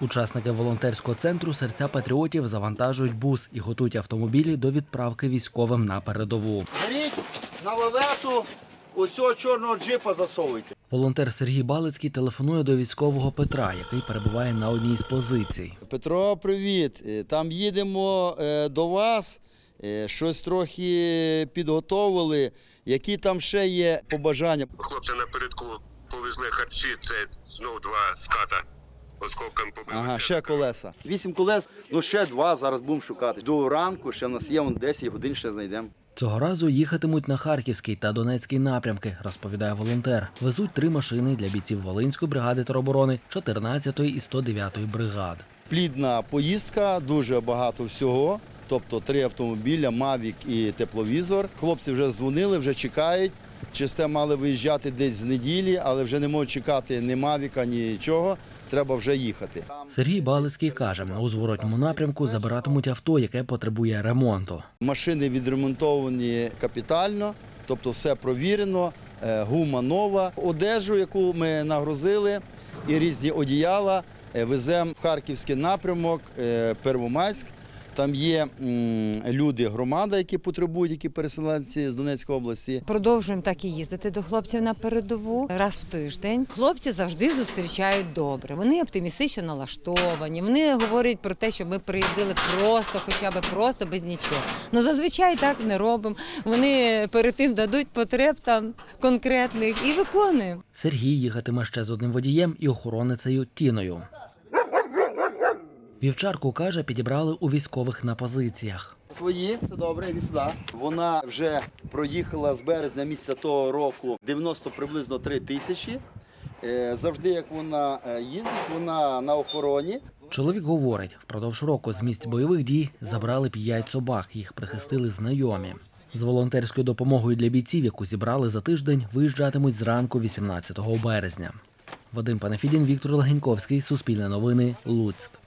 Учасники волонтерського центру «Серця патріотів» завантажують бус і готують автомобілі до відправки військовим на передову. Беріть на лавецу оцього чорного джипа засовуйте. Волонтер Сергій Балицький телефонує до військового Петра, який перебуває на одній з позицій. Петро, привіт. Там їдемо до вас. Щось трохи підготовили. Які там ще є побажання? Хлопці напередку повезли харчі, це знову 2 ската осколком побили. Ага, ще колеса. 8 колес, ще 2 зараз будемо шукати. До ранку ще в нас є, 10 годин ще знайдемо. Цього разу їхатимуть на Харківський та Донецький напрямки, розповідає волонтер. Везуть 3 машини для бійців Волинської бригади тероборони, 14-ї і 109-ї бригад. Плідна поїздка, дуже багато всього. Тобто 3 автомобіля, Мавік і тепловізор. Хлопці вже дзвонили, вже чекають. Через те мали виїжджати десь з неділі, але вже не можуть чекати ні Мавіка, нічого. Треба вже їхати. Сергій Балицький каже, у зворотньому напрямку забиратимуть авто, яке потребує ремонту. Машини відремонтовані капітально, тобто все провірено, гума нова. Одежу, яку ми нагрузили, і різні одіяла веземо в Харківський напрямок, Первомайськ. Там є люди, громада, які потребують, які переселенці з Донецької області. Продовжуємо так і їздити до хлопців на передову раз в тиждень. Хлопці завжди зустрічають добре. Вони оптимістично налаштовані. Вони говорять про те, що ми приїздили просто, хоча б просто, без нічого. Ну, зазвичай так не робимо. Вони перед тим дадуть потреб там конкретних і виконуємо. Сергій їхатиме ще з одним водієм і охороницею Тіною. Вівчарку, каже, підібрали у військових на позиціях. Свої, це добре, іди сюди. Вона вже проїхала з березня місяця того року 90 приблизно 3 тисячі. Завжди, як вона їздить, вона на охороні. Чоловік говорить, впродовж року з місць бойових дій забрали 5 собак, їх прихистили знайомі. З волонтерською допомогою для бійців, яку зібрали за тиждень, виїжджатимуть зранку 18 березня. Вадим Панафідін, Віктор Легеньковський, Суспільне новини, Луцьк.